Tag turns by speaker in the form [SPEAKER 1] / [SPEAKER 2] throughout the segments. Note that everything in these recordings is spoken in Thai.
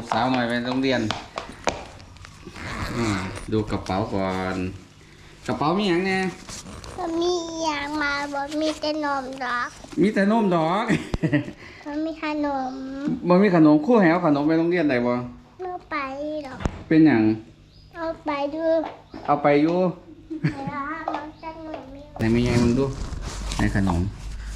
[SPEAKER 1] สาวหน่อยไปโรงเรียนดูกระเป๋าก่อนกระเป๋ามีอย่างเนี่ย
[SPEAKER 2] มีอย่างมาบอกมีแต่นมดอก
[SPEAKER 1] มีแต่นมดอก
[SPEAKER 2] มันมีขนม
[SPEAKER 1] บ่มีขนมคู่แหวขนมไปโรงเรียนได้บ่
[SPEAKER 2] เอาไปดอก
[SPEAKER 1] เป็นอย่าง
[SPEAKER 2] เอาไปดู
[SPEAKER 1] เอาไปอยู่ไหนมีไงมึงดูในขนม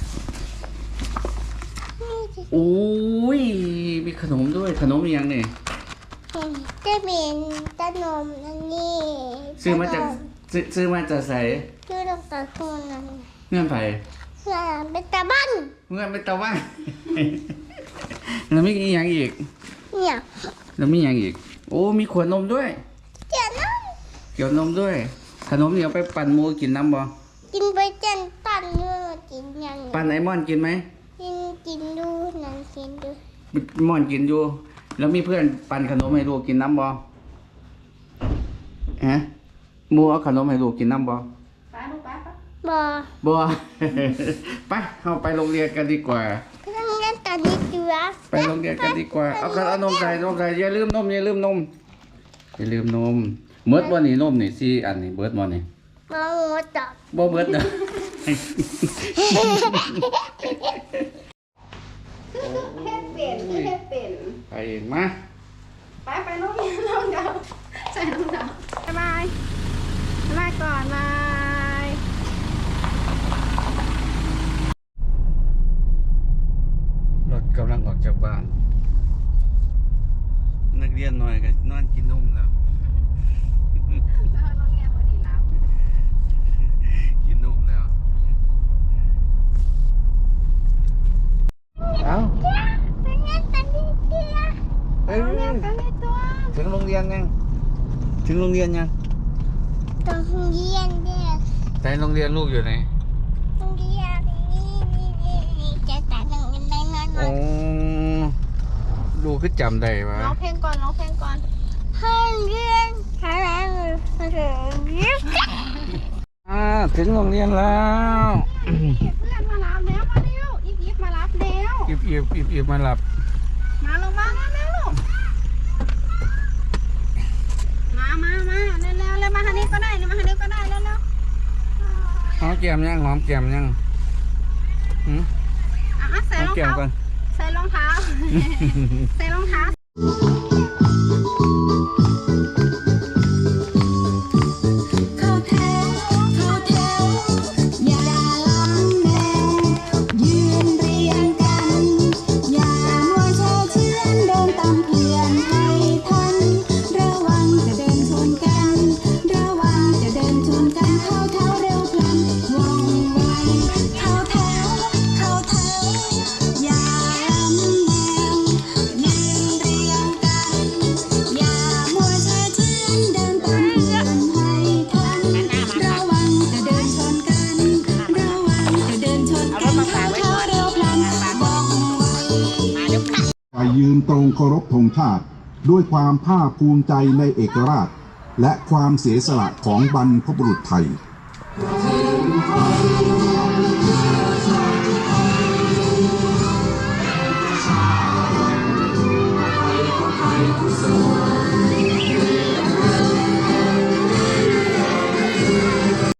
[SPEAKER 1] โอ้ยมีขนมด้วยขนมยังเนี่ย
[SPEAKER 2] จะเป็นขนมอันนี้
[SPEAKER 1] ซื้อมาจากใส่
[SPEAKER 2] ซื้อตรงตะคุนนั่น
[SPEAKER 1] เงื่อนไผ่
[SPEAKER 2] เงื่อนเป็นตะบัน
[SPEAKER 1] เงื่อนเป็นตะวันแล้วมีอย่างอีก
[SPEAKER 2] เนี่ย
[SPEAKER 1] แล้วมีอย่างอีกโอ้มีขวดนมด้วย
[SPEAKER 2] เกี่
[SPEAKER 1] ยวนมด้วยขนมนี่เอาไปปั่นมูกินน้ำบ่
[SPEAKER 2] กินไปเจนปั่นเนื้อกินยัง
[SPEAKER 1] ปั่นไอมอนกินไหม
[SPEAKER 2] กินดูนั่นกินดู
[SPEAKER 1] มอนกินอยู่แล้วมีเพื่อนปั่นขนมให้ลูกกินน้ำบ่ฮะมูเอาขนมให้ลูกกินน้ำบ่บ่ไปเข้าไปโรงเรียนกันดีกว่า
[SPEAKER 2] โรงเรียนกันดีกว่า
[SPEAKER 1] ไปโรงเรียนกันดีกว่าเอานมใส่อย่าลืมนมเบิดบ่นี่นมนี่4อันนี่เบิดบ่นี่
[SPEAKER 2] บ่หมดดอก
[SPEAKER 1] บ่เบิดดอกไปเองมา
[SPEAKER 3] ไปน้องเดาใส่น้องเดาบายก่อนบาย
[SPEAKER 1] รถกำลังออกจากบ้านนักเรียนหน่อยก็นอนกินนมแล้วกินนมแล้วเอ้าถึงโรงเรียนยัง
[SPEAKER 2] ตรงเรียนเนี่ย
[SPEAKER 1] ไหนโรงเรียนลูกอยู่ไหน
[SPEAKER 2] โรงเรียนนี่จะแต่งโรงเรียนได้นอน
[SPEAKER 1] โอ้ลูกคือจำได้ปะ
[SPEAKER 3] ร้องเพลงก่อน
[SPEAKER 2] ห้องเรียนอะไร
[SPEAKER 1] ถึงโรงเรียนแล้ว
[SPEAKER 3] เพื่อนมารับแล้วมาเร็วอีฟมารับแล้ว
[SPEAKER 1] อีฟมาหลับ
[SPEAKER 3] มาลงมาแล้วลูกมาเร็วมาทางนี้ก็ได้แล้ว
[SPEAKER 1] หอมแก้มยัง
[SPEAKER 3] ใส่รองเท้าใส่รองเท้า
[SPEAKER 4] ยืนตรงเคารพธงชาติด้วยความภาคภูมิใจในเอกราชและความเสียสละของบรรพบุรุษไทย